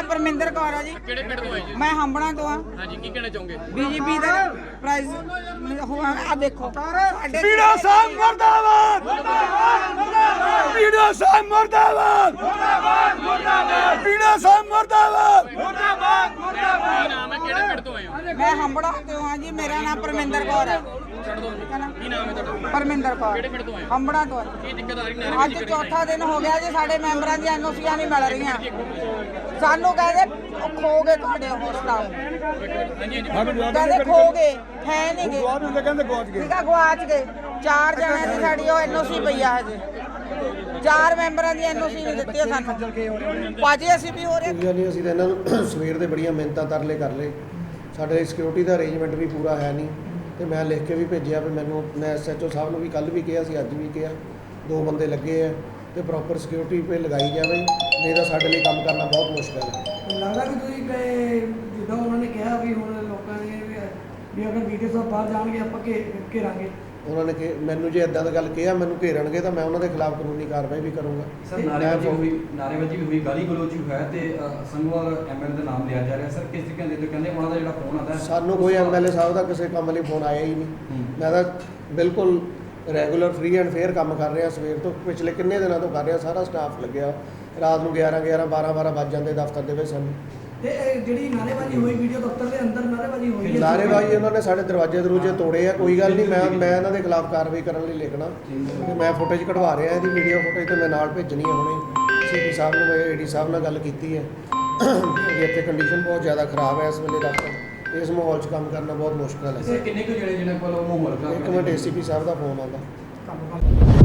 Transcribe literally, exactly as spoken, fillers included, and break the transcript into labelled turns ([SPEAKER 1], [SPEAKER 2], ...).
[SPEAKER 1] ਪਰਮਿੰਦਰ ਕੌਰ ਆ ਜੀ।
[SPEAKER 2] ਕਿਹੜੇ ਪਿੰਡ ਤੋਂ ਆਏ ਜੀ?
[SPEAKER 1] ਮੈਂ ਹੰਬਣਾ ਤੋਂ ਆ।
[SPEAKER 2] ਹਾਂਜੀ, ਕੀ ਕਹਿਣਾ ਚਾਹੋਗੇ?
[SPEAKER 1] ਬੀਜੇਪੀ ਦਾ ਪ੍ਰਾਈਜ਼ ਹੋਆ ਆ ਦੇਖੋ ਸਾਡੇ
[SPEAKER 3] ਪੀੜਾ ਸਾਹਿਬ ਮੁਰਦਾਬਾਦ ਮੁਰਦਾਬਾਦ ਪੀੜਾ ਸਾਹਿਬ ਮੁਰਦਾਬਾਦ ਮੁਰਦਾਬਾਦ ਮੁਰਦਾਬਾਦ ਪੀੜਾ ਸਾਹਿਬ ਮੁਰਦਾਬਾਦ ਮੁਰਦਾਬਾਦ ਮੁਰਦਾਬਾਦ।
[SPEAKER 2] ਕੀ ਨਾਮ ਹੈ, ਕਿਹੜੇ ਪਿੰਡ ਤੋਂ ਆਏ ਹੋ?
[SPEAKER 1] ਮੈਂ ਹੰਬੜਾ ਤੋਂ ਆ ਜੀ। ਮੇਰਾ ਨਾਮ ਪਰਮਿੰਦਰ ਕੌਰ ਹੈ।
[SPEAKER 2] ਛੱਡ ਦੋ। ਕੀ ਨਾਮ ਹੈ ਤੁਹਾਡਾ?
[SPEAKER 1] ਪਰਮਿੰਦਰ ਕੌਰ।
[SPEAKER 2] ਕਿਹੜੇ ਪਿੰਡ ਤੋਂ ਆਏ ਹੋ?
[SPEAKER 1] ਹੰਬੜਾ ਤੋਂ ਆ।
[SPEAKER 2] ਕੀ ਦਿੱਕਤ ਆ ਰਹੀ ਨਾਰੇ
[SPEAKER 1] ਅੱਜ ਚੌਥਾ ਦਿਨ ਹੋ ਗਿਆ ਜੀ। ਸਾਡੇ ਮੈਂਬਰਾਂ ਦੀਆਂ ਐਨਓਸੀਆਂ ਨਹੀਂ ਮਿਲ ਰਹੀਆਂ। ਸਾਨੂੰ ਕਹਿੰਦੇ ਖੋ ਗਏ ਤੁਹਾਡੇ ਹੋਸਟਲ।
[SPEAKER 2] ਹਾਂਜੀ ਹਾਂਜੀ
[SPEAKER 1] ਕਹਿੰਦੇ ਖੋ ਗਏ ਹੈ ਨਹੀਂ ਗਏ।
[SPEAKER 3] ਗਵਾਚ ਹੁੰਦੇ ਕਹਿੰਦੇ ਗਵਾਚ ਗਏ।
[SPEAKER 1] ਠੀਕ ਆ, ਗਵਾਚ ਗਏ। ਚਾਰ ਜਣਿਆਂ ਦੀ ਸਾਡੀ ਉਹ ਐਨਓਸੀ ਪਈ ਆ ਹਜੇ। ਚਾਰ ਮੈਂਬਰਾਂ ਦੀ ਐਨਓਸੀ ਨਹੀਂ ਦਿੱਤੀ ਸਾਨੂੰ। ਪਾਜੀ ਅਸੀਂ ਵੀ ਹੋ ਰਹੇ
[SPEAKER 4] ਨਹੀਂ, ਅਸੀਂ ਤਾਂ ਇਹਨਾਂ ਨੂੰ ਸਵੇਰ ਦੇ ਬੜੀਆਂ ਮਿਹਨਤਾਂ ਤਰਲੇ ਕਰ ਲਏ। ਸਾਡੇ ਸਿਕਿਉਰਿਟੀ ਦਾ ਅਰੇਂਜਮੈਂਟ ਵੀ ਪੂਰਾ ਹੈ ਨਹੀਂ ਤੇ ਮੈਂ ਲਿਖ ਕੇ ਵੀ ਭੇਜਿਆ ਵੀ ਮੈਨੂੰ ਮੈਂ ਐਸਐਚਓ ਸਾਹਿਬ ਨੂੰ ਵੀ ਕੱਲ ਵੀ ਕਿਹਾ ਸੀ, ਅੱਜ ਵੀ ਕਿਹਾ, ਦੋ ਬੰਦੇ ਲੱਗੇ ਆ ਤੇ ਪ੍ਰੋਪਰ ਸਿਕਿਉਰਿਟੀ 'ਤੇ ਲਗਾਈ ਜਾਵੇ, ਨਹੀਂ ਤਾਂ ਸਾਡੇ ਲਈ ਕੰਮ ਕਰਨਾ ਬਹੁਤ ਮੁਸ਼ਕਲ ਹੈ।
[SPEAKER 5] ਲੱਗਦਾ ਕਿ ਤੁਸੀਂ ਕਹੇ ਜਿੱਦਾਂ ਉਹਨਾਂ ਨੇ ਕਿਹਾ ਵੀ ਹੁਣ ਲੋਕਾਂ ਨੇ ਵੀ ਅਗਰ ਵੀਡੀਓ ਸਾਹਿਬ ਬਾਹਰ ਜਾਣਗੇ ਆਪਾਂ ਘੇ ਘੇਰਾਂਗੇ।
[SPEAKER 4] ਉਹਨਾਂ ਨੇ ਕਿ ਮੈਨੂੰ ਜੇ ਇਦਾਂ ਦੀ ਗੱਲ ਕਿਹਾ ਮੈਨੂੰ ਘੇਰਣਗੇ ਤਾਂ ਮੈਂ ਉਹਨਾਂ ਦੇ ਖਿਲਾਫ ਕਾਨੂੰਨੀ ਕਾਰਵਾਈ ਵੀ ਕਰੂੰਗਾ।
[SPEAKER 6] ਸਰ ਨਾਰੇਬਾਜ਼ੀ ਹੋਈ ਨਾਰੇਬਾਜ਼ੀ ਵੀ ਹੋਈ, ਗਾਲੀ ਗਲੋਚ ਵੀ ਹੋਇਆ ਤੇ ਸੰਗਵਾਲ ਐਮਐਲ ਦਾ ਨਾਮ ਲਿਆ ਜਾ ਰਿਹਾ। ਸਰ ਕਿਸ ਤਰੀਕੇ ਨਾਲ ਕਹਿੰਦੇ ਉਹਨਾਂ ਦਾ ਜਿਹੜਾ ਫੋਨ ਆਉਂਦਾ
[SPEAKER 4] ਸਾਨੂੰ ਕੋਈ ਐਮਐਲਏ ਸਾਹਿਬ ਦਾ ਕਿਸੇ ਕੰਮ ਲਈ ਫੋਨ ਆਇਆ ਹੀ ਨਹੀਂ। ਮੈਂ ਤਾਂ ਬਿਲਕੁਲ ਰੈਗੂਲਰ ਫ੍ਰੀ ਐਂਡ ਫੇਅਰ ਕੰਮ ਕਰ ਰਿਹਾ ਸਵੇਰ ਤੋਂ, ਪਿਛਲੇ ਕਿੰਨੇ ਦਿਨਾਂ ਤੋਂ ਕਰ ਰਿਹਾ। ਸਾਰਾ ਸਟਾਫ ਲੱਗਿਆ। ਰਾਤ ਨੂੰ ਗਿਆਰਾਂ ਗਿਆਰਾਂ ਬਾਰਾਂ ਬਾਰਾਂ ਵੱਜ ਜਾਂਦੇ ਦਫ਼ਤਰ ਦੇ ਵਿੱਚ ਸਾਨੂੰ।
[SPEAKER 5] ਤੇ ਇਹ ਜਿਹੜੀ ਨਾਰੇਬਾਜ਼ੀ ਹੋਈ ਵੀਡੀਓ ਦਫ਼ਤਰ ਦੇ ਅੰਦਰ ਨਾਰੇਬਾਜ਼ੀ ਹੋਈ ਹੈ।
[SPEAKER 4] ਨਾਰੇਬਾਜ਼ੀ ਉਹਨਾਂ ਨੇ ਸਾਡੇ ਦਰਵਾਜ਼ੇ ਦਰੂਜੇ ਤੋੜੇ ਆ। ਕੋਈ ਗੱਲ ਨਹੀਂ, ਮੈਂ ਮੈਂ ਇਹਨਾਂ ਦੇ ਖਿਲਾਫ ਕਾਰਵਾਈ ਕਰਨ ਲਈ ਲਿਖਣਾ ਤੇ ਮੈਂ ਫੁਟੇਜ ਕਢਵਾ ਰਿਹਾ ਇਹਦੀ ਵੀਡੀਓ ਫੁਟੇਜ ਤੇ ਮੈਂ ਨਾਲ ਭੇਜਣੀ ਹੈ ਹੁਣੇ। ਸੀਪੀ ਸਾਹਿਬ ਨੂੰ ਮੈਂ ਏਡੀ ਸਾਹਿਬ ਨਾਲ ਗੱਲ ਕੀਤੀ ਹੈ ਕਿ ਇੱਥੇ ਕੰਡੀਸ਼ਨ ਬਹੁਤ ਜ਼ਿਆਦਾ ਖਰਾਬ ਹੈ ਇਸ ਵੇਲੇ ਦਫ਼ਤਰ। ਇਸ ਮਾਹੌਲ 'ਚ ਕੰਮ ਕਰਨਾ ਬਹੁਤ ਮੁਸ਼ਕਲ ਹੈ।
[SPEAKER 6] ਕਿੰਨੇ ਕੁ ਜਿਹੜੇ ਜਿਹਨਾਂ ਕੋਲ ਮਾਹੌਲ ਖਰਾਬ
[SPEAKER 4] ਇੱਕ ਮਿੰਟ ਏਸੀਪੀ ਸਾਹਿਬ ਦਾ ਫੋਨ ਆਉਂਦਾ।